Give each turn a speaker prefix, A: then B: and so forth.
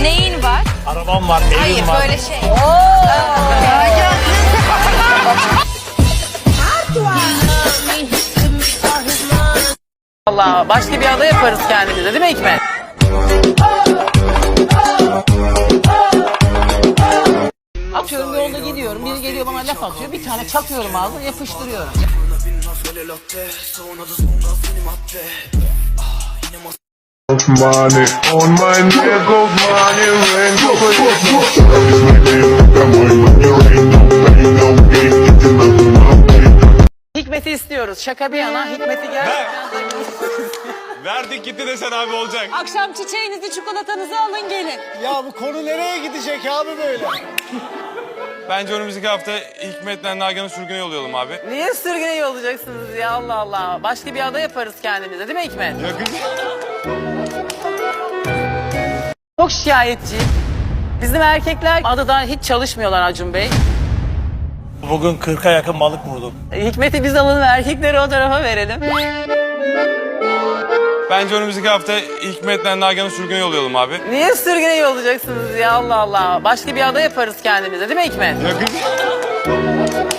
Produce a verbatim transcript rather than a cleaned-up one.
A: Neyin var?
B: Arabam var, evim
A: Hayır
B: var.
A: böyle şey.
C: Allah başka bir ada yaparız kendimize değil mi Hikmet? Atıyorum yolda gidiyorum, biri geliyor bana laf atıyor, bir tane çakıyorum ağzına yapıştırıyorum.
D: Money on my neck, gold money, rain,
C: Hikmet'i istiyoruz. Şaka bir yana Hikmet'i gel.
B: Verdik gitti desen abi olacak.
E: Akşam çiçeğinizi, çikolatanızı alın gelin.
F: Ya bu konu nereye gidecek abi böyle?
B: Bence önümüzdeki hafta Hikmet'le Nagihan'ı sürgüne yollayalım abi.
C: Niye sürgüne yollayacaksınız ya Allah Allah. Başka bir ada yaparız kendimize değil mi Hikmet?
B: Yakın.
C: Çok şikayetçi. Bizim erkekler adadan hiç çalışmıyorlar Acun Bey.
B: Bugün kırka yakın balık vurdum.
C: Hikmet'i biz alalım, erkekleri o tarafa verelim.
B: Bence önümüzdeki hafta Hikmet'le Nagihan'ı sürgüne yollayalım abi.
C: Niye sürgüne yollayacaksınız ya Allah Allah. Başka bir ada yaparız kendimize değil mi Hikmet?
B: Yakın.